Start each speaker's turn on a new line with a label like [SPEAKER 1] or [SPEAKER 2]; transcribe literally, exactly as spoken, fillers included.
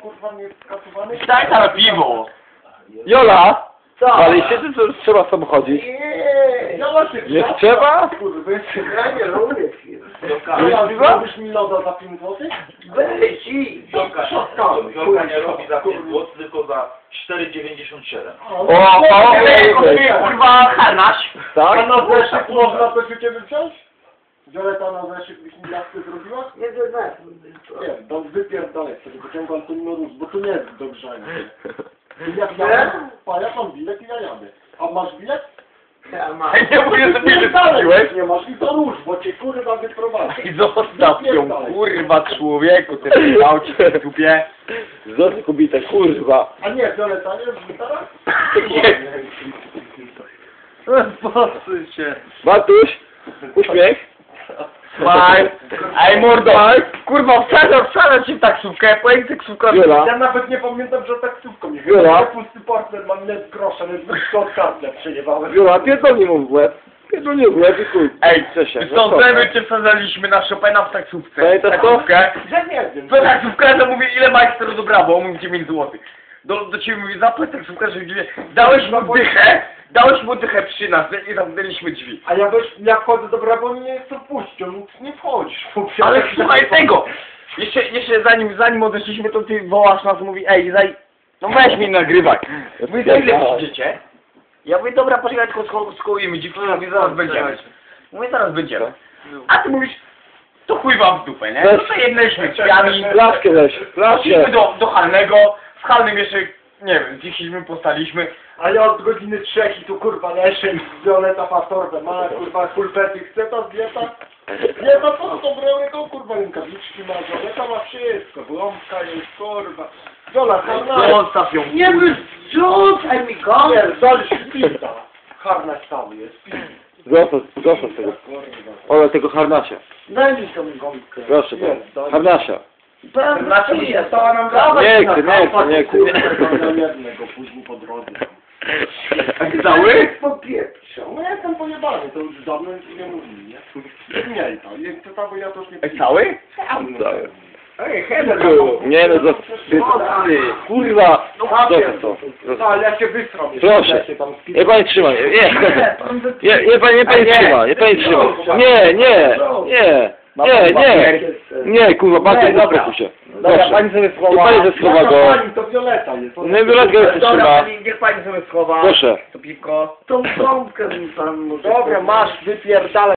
[SPEAKER 1] kurwa nie skasowany?
[SPEAKER 2] Daj tam piwo!
[SPEAKER 3] Jola!
[SPEAKER 1] Co?
[SPEAKER 3] Ale się to już trzeba samochodzić.
[SPEAKER 1] Nie, zobaczysz.
[SPEAKER 3] Nie trzeba?
[SPEAKER 1] Kurwa, ja nie lubię film.
[SPEAKER 2] Jola,
[SPEAKER 1] Zrobisz mi loda za pięć złotych?
[SPEAKER 4] Weź i...
[SPEAKER 1] Jolka,
[SPEAKER 4] Jolka nie robi za pięć złotych, tylko za cztery dziewięćdziesiąt siedem.
[SPEAKER 3] O, o, o,
[SPEAKER 2] Kurwa, harnaś!
[SPEAKER 1] A
[SPEAKER 3] tak?
[SPEAKER 1] na zeszyt można coś u ciebie wziąć? Violeta na zeszyt byś mi jaskę zrobiła?
[SPEAKER 4] Nie, to znaczy.
[SPEAKER 1] Nie, to wypierdolę sobie, pociągam ten nóż, bo tu nie jest do grzania. Jak
[SPEAKER 4] Nie?
[SPEAKER 1] ja a ja mam bilet i ja jadę. A masz bilet?
[SPEAKER 4] Ja mam.
[SPEAKER 2] Nie mówię, że mnie
[SPEAKER 1] Pierdolę,
[SPEAKER 2] wystawiłeś.
[SPEAKER 1] nie masz i to nóż, bo cię kurwa wyprowadzę.
[SPEAKER 2] I zostaw ją, kurwa, człowieku, ty dał ci w dupie.
[SPEAKER 3] Zostaw kobietę, kurwa.
[SPEAKER 1] A nie, Violeta, nie jest gitara?
[SPEAKER 2] Posuń się.
[SPEAKER 3] Matuś, uśmiech.
[SPEAKER 2] Smaj. Ej, mordo. Kurwa, wsadzam, wsadzam cię w taksówkę, pojedź taksówkę.
[SPEAKER 3] Jola.
[SPEAKER 1] Ja nawet nie pamiętam, że taksówką jechałem.
[SPEAKER 3] Jola.
[SPEAKER 1] Ja pusty portfel mam net grosza, więc wyszło od kartę przejebałem.
[SPEAKER 3] Jola, pierdolnij mu w łeb. Pierdolnij w łeb i chuj.
[SPEAKER 2] Ej,
[SPEAKER 3] Cześć,
[SPEAKER 2] sądzemy cię wsadzaliśmy na Chopina w taksówce.
[SPEAKER 3] Pamiętasz to?
[SPEAKER 2] Taksówkę.
[SPEAKER 1] Że nie wiem.
[SPEAKER 2] To taksówkarza mówi, ile majster do brawo, on mówi dziewięć złotych. Do, do ciebie mówi, zapłać taksówkarza, że dałeś mu dychę, dałeś mu dychę przy nas i zamknęliśmy drzwi.
[SPEAKER 1] A ja też, jak chodzę do Brabo, nie chcę puścić, on nie wchodzisz.
[SPEAKER 2] Ale słuchaj tego! Jeszcze, jeszcze zanim, zanim odeszliśmy, to ty wołasz nas, mówi, ej, zaj... No weź mnie nagrywaj. Mówi, za ile przyjdziecie? Ja mówię, dobra, poczekaj, tylko sko skołujemy dziewczynę, mówię, zaraz będziemy. Mówię, zaraz będziemy. A ty mówisz, to chuj wam w dupę, nie? No to jednaliśmy drzwiami,
[SPEAKER 3] Flaszkę weź,
[SPEAKER 2] poszliśmy
[SPEAKER 3] flaszkę.
[SPEAKER 2] do, do Halnego, w Halnym jeszcze, nie wiem, zjeździliśmy, postaliśmy.
[SPEAKER 1] A ja od godziny trzech i tu kurwa leszę i Violeta ma torbę, ma kurwa pulpety, chce ta dieta? Nie ma co to brałego, kurwa rękawiczki ma, Violeta ma wszystko, błąka jest, kurwa. Viola, harnaś.
[SPEAKER 2] Zostaw ją.
[SPEAKER 4] Nie wyrzucaj mi go!
[SPEAKER 1] Pierdolisz, pizda. Harnaś cały jest, pizda.
[SPEAKER 3] Zostaw, zostaw tego. Ola, tego harnasia.
[SPEAKER 4] Daj mi tą gąbkę.
[SPEAKER 3] Proszę bardzo. Harnasia.
[SPEAKER 2] Znaczy mi się
[SPEAKER 4] stała nam
[SPEAKER 3] Nie chcę, nie chcę, nie chcę.
[SPEAKER 1] Kurwa, jednego później po drodze.
[SPEAKER 2] Cały?
[SPEAKER 1] Popieprzą. No ja tam pojebany, to już dawno nic nie mówili, nie? Nie, to jest to tam, bo ja też nie
[SPEAKER 2] Ej, cały?
[SPEAKER 3] Cały.
[SPEAKER 1] Ej, Heather,
[SPEAKER 3] Nie no, zostaw. Kurwa. Zostaw to.
[SPEAKER 1] No, ale ja się wystram.
[SPEAKER 3] Proszę. Nie pani trzyma, nie. Nie, nie, nie pani, nie pani trzyma, nie pani trzyma. Nie, nie, nie. Nie, nie. Nie, kurwa, bardzo dobre tu się.
[SPEAKER 2] Dobra,
[SPEAKER 3] Proszę.
[SPEAKER 2] pani sobie
[SPEAKER 3] Nie
[SPEAKER 2] schowa.
[SPEAKER 3] pani ze schowa go.
[SPEAKER 1] Pani, to Violeta jest.
[SPEAKER 3] Nie, Violetka jest
[SPEAKER 2] Dobra,
[SPEAKER 3] trzyma.
[SPEAKER 2] pani, niech pani sobie schowa.
[SPEAKER 3] Proszę.
[SPEAKER 2] To piwko.
[SPEAKER 4] Tą gąbkę mi pan może...
[SPEAKER 1] Dobra, masz, wypierdalaj.